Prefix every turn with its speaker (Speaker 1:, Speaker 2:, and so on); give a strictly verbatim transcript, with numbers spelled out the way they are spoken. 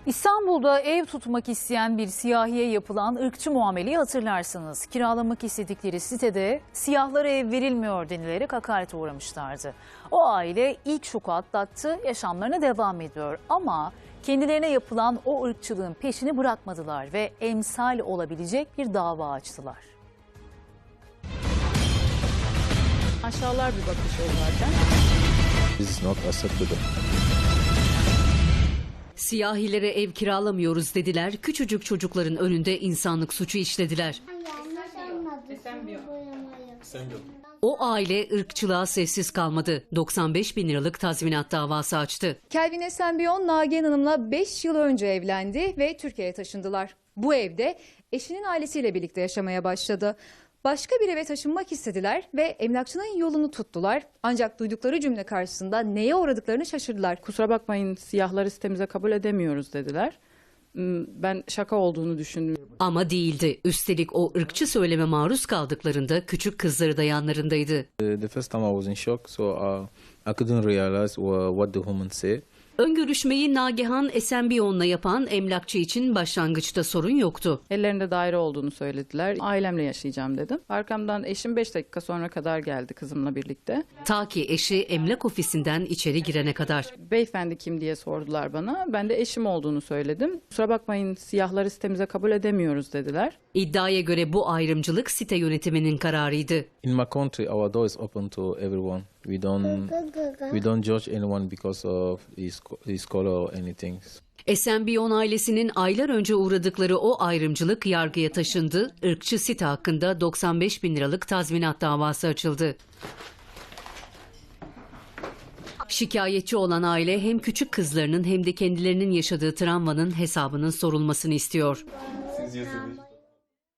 Speaker 1: İstanbul'da ev tutmak isteyen bir siyahiye yapılan ırkçı muameleyi hatırlarsınız. Kiralamak istedikleri sitede siyahlara ev verilmiyor denilerek hakarete uğramışlardı. O aile ilk şoku atlattı, yaşamlarına devam ediyor. Ama kendilerine yapılan o ırkçılığın peşini bırakmadılar ve emsal olabilecek bir dava açtılar.
Speaker 2: Aşağılar bir bakış o zaten.
Speaker 3: This is not acceptable.
Speaker 4: Siyahilere ev kiralamıyoruz dediler, küçücük çocukların önünde insanlık suçu işlediler. O aile ırkçılığa sessiz kalmadı. doksan beş bin liralık tazminat davası açtı.
Speaker 5: Kelvin Esenbiyon, Nagihan Hanım'la beş yıl önce evlendi ve Türkiye'ye taşındılar. Bu evde eşinin ailesiyle birlikte yaşamaya başladı. Başka bir eve taşınmak istediler ve emlakçının yolunu tuttular. Ancak duydukları cümle karşısında neye uğradıklarını şaşırdılar.
Speaker 2: Kusura bakmayın, siyahları sitemize kabul edemiyoruz dediler. Ben şaka olduğunu düşündüm.
Speaker 4: Ama değildi. Üstelik o ırkçı söyleme maruz kaldıklarında küçük kızları da yanlarındaydı.
Speaker 3: The first time I was in shock, so uh, I couldn't realize what the woman said.
Speaker 4: Ön görüşmeyi Nagihan Esenbiyon'la yapan emlakçı için başlangıçta sorun yoktu.
Speaker 2: Ellerinde daire olduğunu söylediler. Ailemle yaşayacağım dedim. Arkamdan eşim beş dakika sonra kadar geldi kızımla birlikte.
Speaker 4: Ta ki eşi emlak ofisinden içeri girene kadar.
Speaker 2: Beyefendi kim diye sordular bana. Ben de eşim olduğunu söyledim. Kusura bakmayın, siyahları sitemize kabul edemiyoruz dediler.
Speaker 4: İddiaya göre bu ayrımcılık site yönetiminin kararıydı.
Speaker 3: In my country, our door is open to everyone. We don't we don't judge anyone because of his his color or anything.
Speaker 4: Esenbiyon ailesinin aylar önce uğradıkları o ayrımcılık yargıya taşındı. Irkçı site hakkında doksan beş bin liralık tazminat davası açıldı. Şikayetçi olan aile hem küçük kızlarının hem de kendilerinin yaşadığı travmanın hesabının sorulmasını istiyor.
Speaker 6: Siz yazılır.